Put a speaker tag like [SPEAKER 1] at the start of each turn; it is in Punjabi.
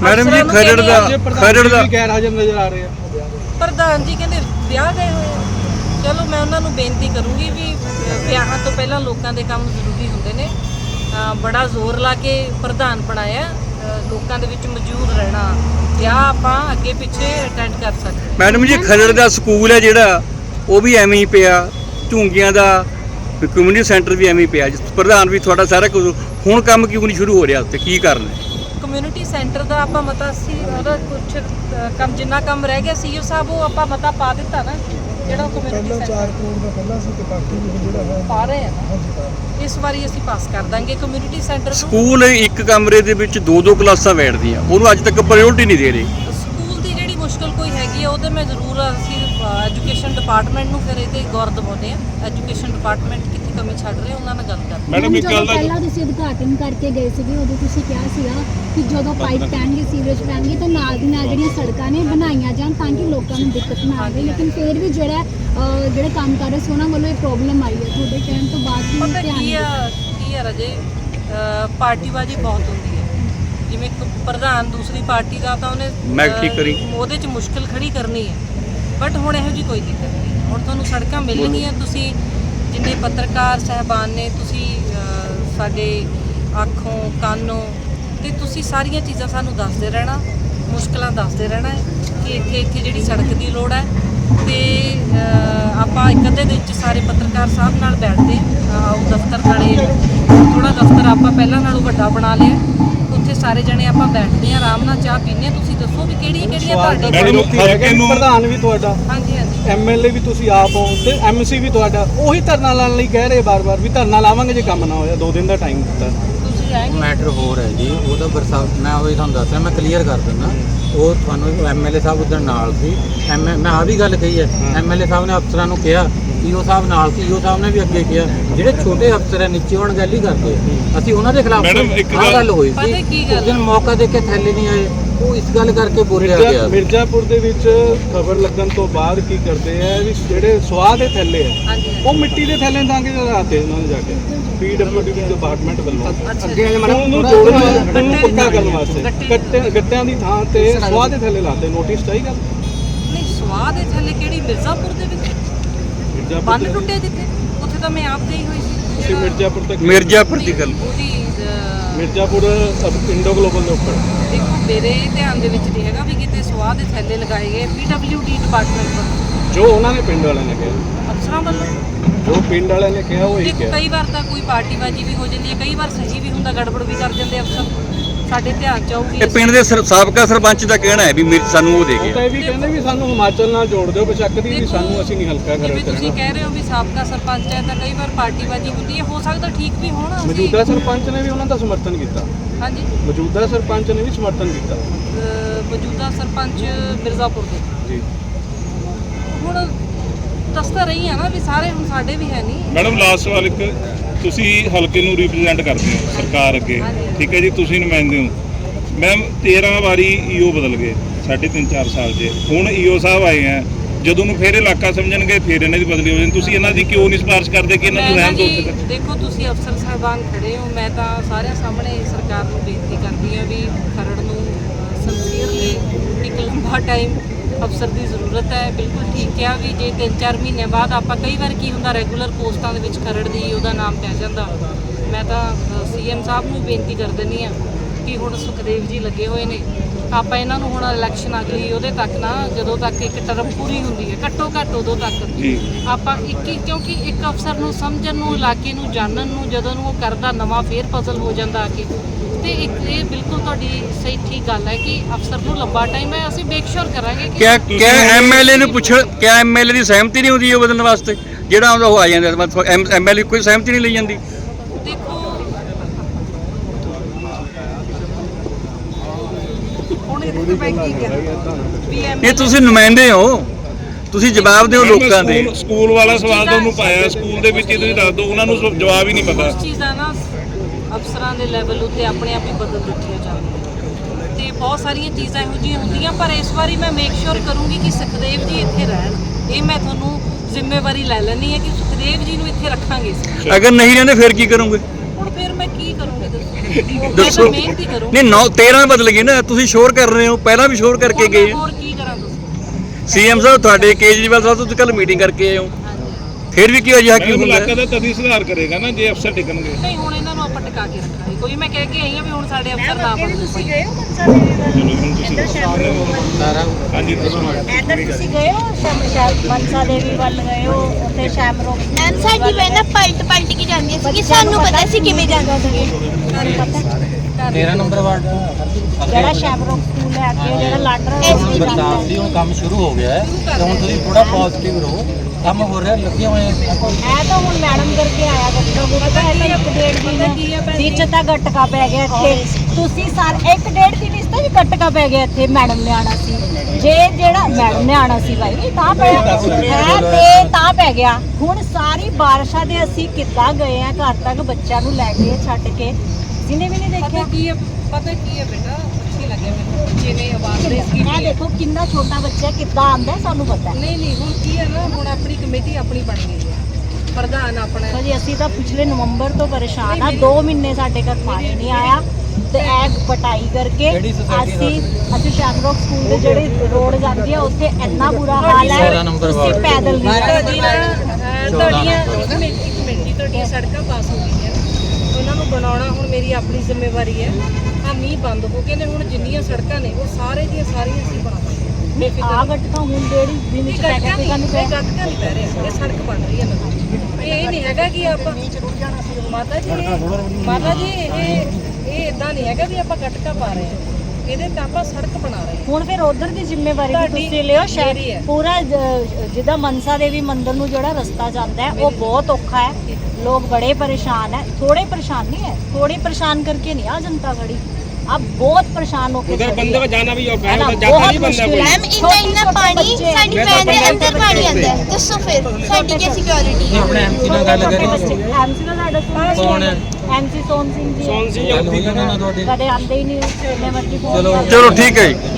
[SPEAKER 1] ਮੈਡਮ ਜੀ ਖਰੜ ਦਾ
[SPEAKER 2] ਗੈਰ ਹਾਜ਼ਰ ਨਜ਼ਰ ਆ ਰਹੇ ਆ।
[SPEAKER 3] ਪ੍ਰਧਾਨ ਜੀ ਕਹਿੰਦੇ ਵਿਆਹ ਗਏ ਹੋਏ ਆ। ਚਲੋ ਮੈਂ ਉਹਨਾਂ ਨੂੰ ਬੇਨਤੀ ਕਰੂੰਗੀ ਵੀ ਵਿਆਹਾਂ ਤੋਂ ਪਹਿਲਾਂ ਲੋਕਾਂ ਦੇ ਕੰਮ ਜ਼ਰੂਰੀ ਹੁੰਦੇ ਨੇ। ਬੜਾ ਜ਼ੋਰ ਲਾ ਕੇ ਪ੍ਰਧਾਨ ਬਣਾਇਆ, ਲੋਕਾਂ ਦੇ ਵਿੱਚ ਮੌਜੂਦ ਰਹਿਣਾ, ਵਿਆਹ ਆਪਾਂ ਅੱਗੇ ਪਿੱਛੇ ਅਟੈਂਡ ਕਰ ਸਕਦੇ।
[SPEAKER 1] ਮੈਡਮ ਜੀ ਖਰੜ ਦਾ ਸਕੂਲ ਹੈ ਜਿਹੜਾ ਉਹ ਵੀ ਐਵੇਂ ਹੀ ਪਿਆ, ਝੁੰਗੀਆਂ ਦਾ ਕਮਿਊਨਿਟੀ ਸੈਂਟਰ ਵੀ ਐਵੇਂ ਹੀ ਪਿਆ, ਪ੍ਰਧਾਨ ਵੀ ਤੁਹਾਡਾ ਸਾਰਾ ਕੁਝ, ਹੁਣ ਕੰਮ ਕਿਉਂ ਨਹੀਂ ਸ਼ੁਰੂ ਹੋ ਰਿਹਾ ਉੱਤੇ, ਕੀ ਕਾਰਨ ਹੈ?
[SPEAKER 3] ਕਮਿਊਨਿਟੀ ਸੈਂਟਰ ਦਾ ਆਪਾਂ ਮਤਾ ਸੀ, ਉਹਦਾ ਕੁਝ ਕੰਮ ਜਿੰਨਾ ਕੰਮ ਰਹਿ ਗਿਆ ਸੀਓ ਸਾਹਿਬ ਉਹ ਆਪਾਂ ਮਤਾ ਪਾ ਦਿੱਤਾ ਨਾ, ਜਿਹੜਾ ਕਮਿਊਨਿਟੀ ਸੈਂਟਰ 4 ਕਰੋੜ ਦਾ ਪਹਿਲਾਂ ਸੀ ਤੇ ਬਾਕੀ ਵੀ ਜਿਹੜਾ ਹੈ ਪਾ ਰਹੇ ਆ। ਇਸ ਵਾਰੀ ਅਸੀਂ ਪਾਸ ਕਰ ਦਾਂਗੇ ਕਮਿਊਨਿਟੀ ਸੈਂਟਰ।
[SPEAKER 1] ਸਕੂਲ ਇੱਕ ਕਮਰੇ ਦੇ ਵਿੱਚ 2-2 ਕਲਾਸਾਂ ਬੈਠਦੀਆਂ, ਉਹਨੂੰ ਅੱਜ ਤੱਕ ਪ੍ਰਾਇੋਰਟੀ ਨਹੀਂ ਦੇ ਰਹੇ।
[SPEAKER 3] ਸਕੂਲ ਦੀ ਜਿਹੜੀ ਮੁਸ਼ਕਲ ਕੋਈ ਹੈਗੀ ਆ ਉਹਦੇ ਮੈਂ ਜ਼ਰੂਰ ਅਸੀਂ ਐਜੂਕੇਸ਼ਨ ਡਿਪਾਰਟਮੈਂਟ ਨੂੰ ਫਿਰ ਇਹਦੇ ਗੌਰ ਦਿਵਾਉਂਦੇ ਆ। ਐਜੂਕੇਸ਼ਨ ਡਿਪਾਰਟਮੈਂਟ ਕਿੱਥੇ ਕਮੀ ਛੱਡ ਰਹੇ ਉਹਨਾਂ ਨਾਲ ਗੱਲ ਕਰਦੇ।
[SPEAKER 4] ਮੈਡਮ ਇੱਕ ਗੱਲ ਦਾ ਪਹਿਲਾਂ ਤੁਸੀਂ ਉਦਘਾਟਨ ਕਰਕੇ ਗਏ ਸੀਗੇ, ਉਦੋਂ ਤੁਸੀਂ ਕਿਹਾ ਸੀਗਾ ਕਿ ਜਦੋਂ ਪਾਈਪ ਪੈਣਗੇ, ਸੀਵਰੇਜ ਪੈਣਗੇ ਤਾਂ ਨਾਲ ਦੀ ਨਾਲ ਜਿਹੜੀਆਂ ਸੜਕਾਂ ਨੇ ਬਣਾਈਆਂ ਜਾਣ ਤਾਂ ਕਿ ਲੋਕਾਂ ਨੂੰ ਦਿੱਕਤ ਨਾ ਆਵੇ, ਲੇਕਿਨ ਫਿਰ ਵੀ ਜਿਹੜੇ ਕੰਮ ਕਰ ਰਹੇ ਸੀ ਉਹਨਾਂ ਵੱਲੋਂ ਇਹ ਪ੍ਰੋਬਲਮ ਆਈ ਹੈ ਤੁਹਾਡੇ ਕਹਿਣ ਤੋਂ ਬਾਅਦ ਵੀ
[SPEAKER 3] ਪਤਾ ਕੀ ਆ ਰਜੇ, ਪਾਰਟੀਬਾਜ਼ੀ ਬਹੁਤ ਹੁੰਦੀ ਹੈ। ਜਿਵੇਂ ਪ੍ਰਧਾਨ ਦੂਸਰੀ ਪਾਰਟੀ ਦਾ ਤਾਂ ਉਹਨੇ ਉਹਦੇ 'ਚ ਮੁਸ਼ਕਿਲ ਖੜੀ ਕਰਨੀ ਹੈ, ਬਟ ਹੁਣ ਇਹੋ ਜਿਹੀ ਕੋਈ ਦਿੱਕਤ ਨਹੀਂ। ਹੁਣ ਤੁਹਾਨੂੰ ਸੜਕਾਂ ਮਿਲਣਗੀਆਂ। ਤੁਸੀਂ ਜਿੰਨੇ ਪੱਤਰਕਾਰ ਸਹਿਬਾਨ ਨੇ, ਤੁਸੀਂ ਸਾਡੇ ਅੱਖੋਂ ਕੰਨੋਂ ਤੇ ਤੁਸੀਂ ਸਾਰੀਆਂ ਚੀਜ਼ਾਂ ਸਾਨੂੰ ਦੱਸਦੇ ਰਹਿਣਾ, ਮੁਸ਼ਕਲਾਂ ਦੱਸਦੇ ਰਹਿਣਾ ਹੈ ਕਿ ਇੱਥੇ ਜਿਹੜੀ ਸੜਕ ਦੀ ਲੋੜ ਹੈ। ਤੇ ਆਪਾਂ ਇੱਕ ਅੱਧੇ ਦਿਨ 'ਚ ਸਾਰੇ ਪੱਤਰਕਾਰ ਸਾਹਿਬ ਨਾਲ ਬੈਠਦੇ ਹਾਂ, ਦਫ਼ਤਰ ਨਾਲੇ ਥੋੜ੍ਹਾ ਦਫ਼ਤਰ ਆਪਾਂ ਪਹਿਲਾਂ ਨਾਲੋਂ ਵੱਡਾ ਬਣਾ ਲਿਆ, ਉੱਥੇ ਸਾਰੇ ਜਣੇ ਆਪਾਂ ਬੈਠਦੇ ਹਾਂ, ਆਰਾਮ ਨਾਲ ਚਾਹ ਪੀਂਦੇ ਹਾਂ। ਤੁਸੀਂ ਦੱਸੋ ਵੀ ਕਿਹੜੀਆਂ ਤੁਹਾਡੇ
[SPEAKER 2] ਪ੍ਰਧਾਨ ਵੀ ਤੁਹਾਡਾ,
[SPEAKER 3] ਹਾਂਜੀ
[SPEAKER 2] ਐਮਐਲਏ ਵੀ ਤੁਸੀਂ ਆਪ ਹੋ ਤੇ ਐਮਸੀ ਵੀ ਤੁਹਾਡਾ, ਉਹੀ ਧਰਨਾ ਲਾਉਣ ਲਈ ਕਹਿ ਰਹੇ ਬਾਰ-ਬਾਰ ਵੀ ਧਰਨਾ ਲਾਵਾਂਗੇ ਜੇ ਕੰਮ ਨਾ ਹੋਇਆ। 2 ਦਿਨ ਦਾ ਟਾਈਮ ਦਿੱਤਾ।
[SPEAKER 3] ਤੁਸੀਂ ਆਏਗੇ
[SPEAKER 5] ਮੈਟਰ ਹੋਰ ਹੈ ਜੀ, ਉਹਦਾ ਬਰਸਾਤ ਮੈਂ ਉਹੀ ਤੁਹਾਨੂੰ ਦੱਸ ਰਿਹਾ, ਮੈਂ ਕਲੀਅਰ ਕਰ ਦਿੰਦਾ। ਉਹ ਤੁਹਾਨੂੰ ਐਮਐਲਏ ਸਾਹਿਬ ਉੱਧਰ ਨਾਲ ਸੀ, ਮੈਂ ਆ ਵੀ ਗੱਲ ਕਹੀ ਹੈ, ਐਮਐਲਏ ਸਾਹਿਬ ਨੇ ਅਫਸਰਾਂ ਨੂੰ ਕਿਹਾ, ਈਓ ਸਾਹਿਬ ਨਾਲ ਸੀ, ਈਓ ਸਾਹਿਬ ਨੇ ਵੀ ਅੱਗੇ ਕਿਹਾ ਜਿਹੜੇ ਛੋਟੇ ਅਫਸਰ ਹੈ ਨੀਚੇ ਹੁਣ ਗੱਲ ਹੀ ਕਰਦੇ, ਅਸੀਂ ਉਹਨਾਂ ਦੇ ਖਿਲਾਫ ਆਹ ਗੱਲ ਹੋਈ ਸੀ। ਉਸ ਦਿਨ ਮੌਕਾ ਦੇ ਕੇ ਥੈਲੇ ਨਹੀਂ ਆਏ, ਉਹ ਇਸ ਗੱਲ ਕਰਕੇ ਬੋਲਿਆ ਗਿਆ।
[SPEAKER 2] ਮਿਰਜ਼ਾਪੁਰ ਦੇ ਵਿੱਚ ਖਬਰ ਲੱਗਣ ਤੋਂ ਬਾਅਦ ਕੀ ਕਰਦੇ ਆ ਵੀ ਜਿਹੜੇ ਸਵਾਹ ਦੇ ਥੈਲੇ ਆ ਉਹ ਮਿੱਟੀ ਦੇ ਥੈਲੇ ਤਾਂ ਕਿ ਰਾਤੇ ਉਹਨਾਂ ਨੇ ਜਾ ਕੇ ਪੀਡਬਲਿਊਡੀ ਡਿਪਾਰਟਮੈਂਟ ਵੱਲੋਂ ਉਹਨੂੰ ਜੋੜਨ, ਉਹਨੂੰ ਪੱਕਾ ਕਰਨ ਵਾਸਤੇ ਗੱਟਿਆਂ ਦੀ ਥਾਂ ਤੇ ਸਵਾਹ ਦੇ ਥੈਲੇ ਲਾਤੇ। ਨੋਟਿਸ ਚਾਹੀ ਗੱਲ
[SPEAKER 3] ਨਹੀਂ, ਸਵਾਹ ਦੇ ਥੱਲੇ ਕਿਹੜੀ ਮਿਰਜ਼ਾਪੁਰ ਦੇ ਵਿੱਚ ਬੰਨ ਟੁੱਟੇ ਜਿੱਥੇ, ਉੱਥੇ ਤਾਂ ਮੈਂ ਆਪ ਗਈ ਹੋਈ ਸੀ।
[SPEAKER 2] ਤੁਸੀਂ ਮਿਰਜ਼ਾਪੁਰ ਤੱਕ,
[SPEAKER 1] ਮਿਰਜ਼ਾਪੁਰ ਦੀ ਗੱਲ,
[SPEAKER 2] ਮਿਰਜ਼ਾਪੁਰ ਇੰਡੋ ਗਲੋਬਲ ਦੇ ਉੱਪਰ
[SPEAKER 3] ਦੇਖੋ, ਮੇਰੇ ਧਿਆਨ ਦੇ ਵਿੱਚ ਨਹੀਂ ਹੈਗਾ ਵੀ ਕਿਤੇ ਸਵਾਹ ਦੇ ਥੈਲੇ ਲਗਾਏ ਗਏ ਪੀਡਬਲਿਊਡੀ ਡਿਪਾਰਟਮੈਂਟ ਵੱਲੋਂ,
[SPEAKER 2] ਜੋ ਉਹਨਾਂ ਨੇ ਪਿੰਡ ਵਾਲਿਆਂ ਨੇ ਕਿਹਾ,
[SPEAKER 3] ਅਫਸਰਾਂ ਵੱਲੋਂ
[SPEAKER 2] ਜੋ ਪਿੰਡ ਵਾਲਿਆਂ ਨੇ ਕਿਹਾ ਉਹ ਹੀ ਕਿਹਾ।
[SPEAKER 3] ਕਈ ਵਾਰ ਤਾਂ ਕੋਈ ਪਾਰਟੀਬਾਜ਼ੀ ਵੀ ਹੋ ਜਾਂਦੀ ਹੈ, ਕਈ ਵਾਰ ਸਹੀ ਵੀ ਹੁੰਦਾ, ਗੜਬੜ ਵੀ ਕਰ ਜਾਂਦੇ ਅਫਸਰ। ਸਾਡੇ ਧਿਆਨ ਚ ਆਊਗੀ।
[SPEAKER 1] ਇਹ ਪਿੰਡ ਦੇ ਸਾਬਕਾ ਸਰਪੰਚ ਦਾ ਕਹਿਣਾ ਹੈ ਵੀ ਸਾਨੂੰ ਉਹ ਦੇ
[SPEAKER 2] ਉਹ
[SPEAKER 1] ਗਿਆ।
[SPEAKER 2] ਤਾਂ ਇਹ ਵੀ ਕਹਿੰਦੇ ਵੀ ਸਾਨੂੰ ਹਿਮਾਚਲ ਨਾਲ ਜੋੜ ਦਿਓ, ਬੇਸ਼ੱਕ ਦੀ ਵੀ ਸਾਨੂੰ, ਅਸੀਂ ਨਹੀਂ ਹਲਕਾ ਕਰ
[SPEAKER 3] ਜਿਵੇਂ ਤੁਸੀਂ ਕਹਿ ਰਹੇ ਹੋ ਵੀ ਸਾਬਕਾ ਸਰਪੰਚ ਹੈ ਤਾਂ ਕਈ ਵਾਰ ਪਾਰਟੀਬਾਜ਼ੀ ਹੁੰਦੀ ਹੈ, ਹੋ ਸਕਦਾ ਠੀਕ ਵੀ ਹੋਣ।
[SPEAKER 2] ਮੌਜੂਦਾ ਸਰਪੰਚ ਨੇ ਵੀ ਉਹਨਾਂ ਦਾ ਸਮਰਥਨ ਕੀਤਾ।
[SPEAKER 3] ਹਾਂਜੀ,
[SPEAKER 2] ਮੌਜੂਦਾ ਸਰਪੰਚ ਨੇ ਵੀ ਸਮਰਥਨ ਕੀਤਾ।
[SPEAKER 3] ਮੌਜੂਦਾ ਸਰਪੰਚ ਮਿਰਜ਼ਾਪੁਰ ਦੇ
[SPEAKER 2] ਜੀ
[SPEAKER 3] ਹੁਣ ਦੱਸਦਾ ਰਹੀ ਆ ਨਾ ਵੀ ਸਾਰੇ ਹੁਣ ਸਾਡੇ ਵੀ ਹੈ ਨਹੀਂ।
[SPEAKER 6] ਮੈਡਮ ਲਾਸਟ ਸਵਾਲ, ਇੱਕ ਤੁਸੀਂ ਹਲਕੇ ਨੂੰ ਰਿਪਰੈਜ਼ੈਂਟ ਕਰਦੇ ਹੋ ਸਰਕਾਰ ਅੱਗੇ, ਠੀਕ ਹੈ ਜੀ, ਤੁਸੀਂ ਨੁਮਾਇੰਦੇ ਹੋ। ਮੈਮ 13 ਵਾਰੀ ਈਓ ਬਦਲ ਗਏ, 3.5-4 ਸਾਲ 'ਚ। ਹੁਣ ਈਓ ਸਾਹਿਬ ਆਏ ਆ, ਜਦੋਂ ਨੂੰ ਫਿਰ ਇਲਾਕਾ ਸਮਝਣਗੇ ਫਿਰ ਇਹਨਾਂ ਦੀ ਬਦਲੀ ਹੋ ਜਾਣੀ। ਤੁਸੀਂ ਇਹਨਾਂ ਦੀ ਕਿਉਂ ਨਹੀਂ ਸਿਫਾਰਿਸ਼ ਕਰਦੇ ਕਿ ਇਹਨਾਂ ਨੂੰ ਰਹਿਣ ਦਿਓ?
[SPEAKER 3] ਦੇਖੋ, ਤੁਸੀਂ ਅਫਸਰ ਸਾਹਿਬਾਨ ਖੜੇ ਹੋ, ਮੈਂ ਤਾਂ ਸਾਰਿਆਂ ਸਾਹਮਣੇ ਸਰਕਾਰ ਨੂੰ ਬੇਨਤੀ ਕਰਦੀ ਹਾਂ ਵੀ ਖਰੜ ਨੂੰ ਸਿੰਸੀਅਰਲੀ ਇੱਕ ਲੰਬਾ ਟਾਈਮ ਅਫਸਰ ਦੀ ਜ਼ਰੂਰਤ ਹੈ। ਬਿਲਕੁਲ ਠੀਕ ਆ ਵੀ ਜੇ 3-4 ਮਹੀਨੇ ਬਾਅਦ ਆਪਾਂ, ਕਈ ਵਾਰ ਕੀ ਹੁੰਦਾ ਰੈਗੂਲਰ ਪੋਸਟਾਂ ਦੇ ਵਿੱਚ ਖਰੜ ਦੀ ਉਹਦਾ ਨਾਮ ਪੈ ਜਾਂਦਾ। ਮੈਂ ਤਾਂ ਸੀਐਮ ਸਾਹਿਬ ਨੂੰ ਬੇਨਤੀ ਕਰ ਦਿੰਦੀ ਹਾਂ ਕਿ ਹੁਣ ਸੁਖਦੇਵ ਜੀ ਲੱਗੇ ਹੋਏ ਨੇ, ਆਪਾਂ ਇਹਨਾਂ ਨੂੰ ਹੁਣ ਇਲੈਕਸ਼ਨ ਅਗਲੀ ਉਹਦੇ ਤੱਕ ਨਾ, ਜਦੋਂ ਤੱਕ ਇੱਕ ਟਰਮ ਪੂਰੀ ਹੁੰਦੀ ਹੈ ਘੱਟੋ ਘੱਟ ਉਦੋਂ ਤੱਕ ਆਪਾਂ ਕਿਉਂਕਿ ਇੱਕ ਅਫਸਰ ਨੂੰ ਸਮਝਣ ਨੂੰ, ਇਲਾਕੇ ਨੂੰ ਜਾਣਨ ਨੂੰ, ਜਦੋਂ ਨੂੰ ਉਹ ਕਰਦਾ ਨਵਾਂ ਫੇਰ ਪਜ਼ਲ ਹੋ ਜਾਂਦਾ ਆ ਕੇ। ਤੇ ਇੱਕ ਇਹ ਬਿਲਕੁਲ ਤੁਹਾਡੀ ਸਹੀ ਠੀਕ ਗੱਲ ਹੈ ਕਿ ਅਫਸਰ ਨੂੰ ਲੰਬਾ ਟਾਈਮ ਹੈ, ਅਸੀਂ ਮੇਕ ਸ਼ੋਰ ਕਰਾਂਗੇ ਕਿ
[SPEAKER 1] ਕਿਆ ਐਮਐਲਏ ਨੂੰ ਪੁੱਛ, ਕਿਆ ਐਮਐਲਏ ਦੀ ਸਹਿਮਤੀ ਨਹੀਂ ਹੁੰਦੀ ਉਹ ਬਦਲਣ ਵਾਸਤੇ? ਜਿਹੜਾ ਆਉਂਦਾ ਉਹ ਆ ਜਾਂਦਾ, ਐਮਐਲਏ ਕੋਈ ਸਹਿਮਤੀ ਨਹੀਂ ਲਈ ਜਾਂਦੀ।
[SPEAKER 3] ਦੇਖੋ ਹੁਣ ਇਹ ਮੈਂ ਕੀ ਕਹਾਂ ਵੀ
[SPEAKER 1] ਇਹ ਤੁਸੀਂ ਨੁਮਾਇੰਦੇ ਹੋ, ਤੁਸੀਂ ਜਵਾਬ ਦਿਓ ਲੋਕਾਂ ਦੇ।
[SPEAKER 6] ਸਕੂਲ ਵਾਲਾ ਸਵਾਲ ਤਾਂ ਉਹਨੂੰ ਪਾਇਆ, ਸਕੂਲ ਦੇ ਵਿੱਚ ਹੀ ਤੁਸੀਂ ਦੱਸ ਦਿਓ, ਉਹਨਾਂ ਨੂੰ ਜਵਾਬ ਹੀ ਨਹੀਂ ਪਤਾ।
[SPEAKER 3] ਉਸ ਚੀਜ਼ਾਂ ਨਾ ਅਫਸਰਾਂ ਦੇ ਲੈਵਲ ਉੱਤੇ ਆਪਣੇ ਆਪ ਹੀ ਬਦਲ ਦਿੱਤੀਆਂ ਜਾਂਦੀਆਂ ਤੇ ਬਹੁਤ ਸਾਰੀਆਂ ਚੀਜ਼ਾਂ ਇਹੋ ਜਿਹੀਆਂ ਹੁੰਦੀਆਂ, ਪਰ ਇਸ ਵਾਰੀ ਮੈਂ ਮੇਕ ਸ਼ੋਰ ਕਰੂੰਗੀ ਕਿ ਸੁਖਦੇਵ ਜੀ ਇੱਥੇ ਰਹਿਣ। ਇਹ ਮੈਂ ਤੁਹਾਨੂੰ ਜ਼ਿੰਮੇਵਾਰੀ ਲੈ ਲੈਣੀ ਹੈ ਕਿ ਸੁਖਦੇਵ ਜੀ ਨੂੰ ਇੱਥੇ ਰੱਖਾਂਗੇ।
[SPEAKER 1] ਅਗਰ ਨਹੀਂ ਰਹਿੰਦੇ ਫਿਰ ਕੀ ਕਰੋਗੇ?
[SPEAKER 3] ਹੁਣ ਫਿਰ ਮੈਂ ਕੀ ਕਰੂੰਗੀ ਦੱਸੋ?
[SPEAKER 1] ਦੱਸੋ।
[SPEAKER 3] ਮਿਹਨਤ ਹੀ ਕਰੋ।
[SPEAKER 1] ਨਹੀਂ 13 ਬਦਲ ਗਏ ਨਾ, ਤੁਸੀਂ ਸ਼ੋਰ ਕਰ ਰਹੇ ਹੋ, ਪਹਿਲਾਂ ਵੀ ਸ਼ੋਰ ਕਰਕੇ ਗਏ।
[SPEAKER 3] ਹੋਰ ਕੀ ਕਰਾਂ ਤੁਸੀਂ?
[SPEAKER 1] ਸੀਐਮ ਸਾਹਿਬ ਤੁਹਾਡੇ, ਕੇਜਰੀਵਾਲ ਸਾਹਿਬ ਤੁਸੀਂ ਕੱਲ ਮੀਟਿੰਗ ਕਰਕੇ ਆਏ ਹੋ, ਫਿਰ ਵੀ ਕੀ ਅਜਿਹਾ ਕੀ
[SPEAKER 6] ਮੈਡਮ
[SPEAKER 1] ਹੁੰਦਾ
[SPEAKER 6] ਇਲਾਕਾ ਦਾ ਤਦ ਹੀ ਸੁਧਾਰ ਕਰੇਗਾ ਨਾ ਜੇ ਅਫਸਰ ਟਿਕਣਗੇ।
[SPEAKER 3] ਨਹੀਂ ਹੁਣ ਇਹਨਾਂ ਨੂੰ ਆਪਾਂ ਟਿਕਾ ਕੇ ਰੱਖਾਂਗੇ। ਕੋਈ ਮੈਂ ਕਹਿ ਕੇ ਆਈ ਹਾਂ ਵੀ ਹੁਣ ਸਾਡੇ ਅਫਸਰ ਨਾ ਬਣੋ।
[SPEAKER 7] ਤੁਸੀਂ ਗਏ ਹੋ ਮਨਸਾ ਦੇਵੀ ਵੱਲ?
[SPEAKER 6] ਚਲੋ ਹੁਣ ਤੁਸੀਂ
[SPEAKER 7] ਇੱਧਰ ਸ਼ੈਮਰੋਗ ਵੱਲ?
[SPEAKER 5] ਸਾਰਾ
[SPEAKER 6] ਹਾਂਜੀ ਦੱਸੋ।
[SPEAKER 7] ਇੱਧਰ ਤੁਸੀਂ ਗਏ ਹੋ ਮਨਸਾ ਦੇਵੀ ਵੱਲ ਗਏ ਹੋ? ਉੱਥੇ ਸ਼ੈਮਰੋਗ
[SPEAKER 8] ਮੈਮ ਸਾਡੀ ਵੈਨ ਨਾ ਪਲਟ ਕੇ ਜਾਂਦੀ ਸੀ ਕਿ ਸਾਨੂੰ ਪਤਾ ਸੀ ਕਿਵੇਂ ਜਾਂਦਾ ਸੀ।
[SPEAKER 7] ਤੁਹਾਨੂੰ ਪਤਾ
[SPEAKER 5] 13 ਨੰਬਰ ਵਾਰਡ
[SPEAKER 7] ਜਿਹੜਾ ਸ਼ੈਮਰੋਗ ਸਕੂਲ ਹੈ ਅੱਗੇ ਜਿਹੜਾ ਲਾਡਰ
[SPEAKER 5] ਹੁਣ ਬਰਸਾਤ ਦੀ, ਹੁਣ ਕੰਮ ਸ਼ੁਰੂ ਹੋ ਗਿਆ ਹੈ ਤੇ ਹੁਣ ਤੁਸੀਂ ਥੋੜਾ ਪੋਜ਼ਿਟਿਵ ਰਹੋ, ਕੰਮ ਹੋ ਰਿਹਾ, ਲੱਗੇ ਹੋਏ ਆ।
[SPEAKER 7] ਇਹ ਤਾਂ ਹੁਣ ਮੈਡਮ ਕਰਕੇ ਆਇਆ ਗੱਟਕਾ ਗੁੱਟਕਾ ਹੈ ਤਾਂ 1.5 ਦਿਨ ਵਿੱਚ ਤਾਂ ਗੱਟਕਾ ਪੈ ਗਿਆ ਇੱਥੇ। ਤੁਸੀਂ ਸਾਰੇ 1.5 ਦਿਨ ਇਸ ਤੋਂ ਵੀ ਗੱਟਕਾ ਪੈ ਗਿਆ ਇੱਥੇ। ਮੈਡਮ ਨੇ ਆਣਾ ਸੀ, ਜੇ ਜਿਹੜਾ ਮੈਡਮ ਨੇ ਆਣਾ ਸੀ ਭਾਈ ਤਾਂ ਪਿਆ ਹੈ ਤੇ ਤਾਂ ਪੈ ਗਿਆ। ਹੁਣ ਸਾਰੀ ਬਾਰਿਸ਼ਾਂ ਦੇ ਅਸੀਂ ਕਿੱਦਾਂ ਗਏ ਆ ਘਰ ਤੱਕ ਬੱਚਿਆਂ ਨੂੰ ਲੈ ਕੇ ਛੱਡ ਕੇ, ਜਿਹਨੇ ਵੀ ਨਹੀਂ ਦੇਖਿਆ।
[SPEAKER 3] ਪਤਾ ਕੀ ਹੈ ਬੇਟਾ, ਅੱਛੀ ਲੱਗਿਆ ਮੈਨੂੰ ਬੱਚੇ ਨੇ ਆਵਾਜ਼ ਦੇ ਸੀ।
[SPEAKER 7] ਇਹ ਦੇਖੋ ਕਿੰਨਾ ਛੋਟਾ ਬੱਚਾ ਕਿੱਦਾਂ ਆਂਦਾ ਸਾਨੂੰ ਪਤਾ ਹੈ।
[SPEAKER 3] ਨਹੀਂ ਹੁਣ ਕੀ ਹੈ ਨਾ, ਹੁਣ ਆਪਣੀ ਕਮੇਟੀ ਆਪਣੀ ਬਣ ਗਈ ਹੈ, ਪ੍ਰਧਾਨ ਆਪਣਾ ਹੈ।
[SPEAKER 7] ਭਾਜੀ ਅਸੀਂ ਤਾਂ ਪਿਛਲੇ ਨਵੰਬਰ ਤੋਂ ਪਰੇਸ਼ਾਨ ਆ, 2 ਮਹੀਨੇ ਸਾਡੇ ਘਰ ਪਾਣੀ ਨਹੀਂ ਆਇਆ ਤੇ ਐਗ ਪਟਾਈ ਕਰਕੇ
[SPEAKER 5] ਕਿਹੜੀ society
[SPEAKER 7] ਅਸੀਂ ਸ਼ੈਮਰੋਕ ਸਕੂਲ ਦੇ ਜਿਹੜੇ ਰੋਡ ਜਾਂਦੀ ਆ ਉੱਥੇ ਇੰਨਾ ਬੁਰਾ ਹਾਲ ਹੈ।
[SPEAKER 5] 14 ਨੰਬਰ
[SPEAKER 7] ਤੁਸੀਂ
[SPEAKER 5] ਵਾਰਡ।
[SPEAKER 7] ਪੈਦਲ ਨਹੀਂ ਜਾ
[SPEAKER 3] ਤੁਹਾਡੀਆਂ ਤੁਹਾਡੀਆਂ ਸੜਕਾਂ ਪਾਸ ਹੋ ਗਈਆਂ, ਉਹਨਾਂ ਨੂੰ ਬਣਾਉਣਾ ਹੁਣ ਮੇਰੀ ਆਪਣੀ ਜ਼ਿੰਮੇਵਾਰੀ ਹੈ। ਆ ਮੀਂਹ ਬੰਦ ਹੋ ਗਏ ਨੇ, ਹੁਣ ਜਿੰਨੀਆਂ ਸੜਕਾਂ ਨੇ ਉਹ ਸਾਰੇ ਦੀਆਂ ਸਾਰੀਆਂ ਅਸੀਂ ਬਣਾਵਾਂਗੇ।
[SPEAKER 7] ਆ ਗੱਟਕਾ ਹੁਣ 1.5 ਦਿਨ ਚ ਪੈ ਗਿਆ
[SPEAKER 3] ਗੱਟਕਾ
[SPEAKER 7] ਸਾਨੂੰ
[SPEAKER 3] ਨਹੀਂ ਪੈ ਰਿਹਾ, ਇਹ ਸੜਕ ਬਣ ਰਹੀ ਹੈ ਨਵੀਂ। ਇਹ ਨਹੀਂ ਹੈਗਾ ਕਿ ਆਪਾਂ ਮਾਤਾ ਜੀ ਇਹ ਇਦਾਂ ਨਹੀਂ ਹੈਗਾ ਵੀ ਆਪਾਂ ਗੱਟਕਾ ਪਾ ਰਹੇ ਹਾਂ, ਇਹਦੇ ਤਾਂ ਆਪਾਂ ਸੜਕ ਬਣਾ ਰਹੇ ਹਾਂ।
[SPEAKER 7] ਹੁਣ ਫਿਰ ਉਧਰ ਦੀ ਜ਼ਿੰਮੇਵਾਰੀ ਵੀ
[SPEAKER 3] ਤੁਹਾਡੀ
[SPEAKER 7] ਤੁਸੀਂ ਲਿਓ।
[SPEAKER 3] ਮੇਰੀ ਹੈ।
[SPEAKER 7] ਪੂਰਾ ਜਿੱਦਾਂ ਮਨਸਾ ਦੇਵੀ ਮੰਦਿਰ ਨੂੰ ਜਿਹੜਾ ਰਸਤਾ ਜਾਂਦਾ ਹੈ ਉਹ ਬਹੁਤ ਔਖਾ ਹੈ, ਲੋਕ ਬੜੇ ਪਰੇਸ਼ਾਨ ਹੈ। ਥੋੜੇ ਪਰੇਸ਼ਾਨ नहीं है, थोड़ी परेशान करके नहीं आ जनता खड़ी, अब बहुत परेशान होके उधर बंदे को जाना भी औखा है, जाता नहीं बंदा कोई।
[SPEAKER 8] ਮੈਮ ਇੰਨਾ ਪਾਣੀ ਸਾਡੀ ਵੈਨ ਦੇ ਅੰਦਰ ਪਾਣੀ ਆਂਦਾ ਹੈ, ਦੱਸੋ ਫਿਰ ਸਾਡੀ ਕੀ ਸਿਕਿਉਰਿਟੀ ਹੈ?
[SPEAKER 5] ਆਪਣੇ ਐਮਸੀ ਨਾਲ ਗੱਲ ਕਰੀ,
[SPEAKER 7] ਐਮਸੀ ਦਾ ਸਾਡਾ
[SPEAKER 5] ਕੌਣ ਹੈ?
[SPEAKER 7] ਐਮਸੀ ਸੋਨ ਸਿੰਘ ਜੀ।
[SPEAKER 5] ਗੱਲ ਹੋਈ ਉਹਨਾਂ ਨਾਲ ਤੁਹਾਡੀ?
[SPEAKER 7] ਕਦੇ ਆਂਦੇ ਹੀ ਨਹੀਂ, ਜਿੰਨੇ ਮਰਜ਼ੀ ਫੋਨ
[SPEAKER 5] ਚਲੋ।
[SPEAKER 1] ਚਲੋ ਠੀਕ ਹੈ ਜੀ।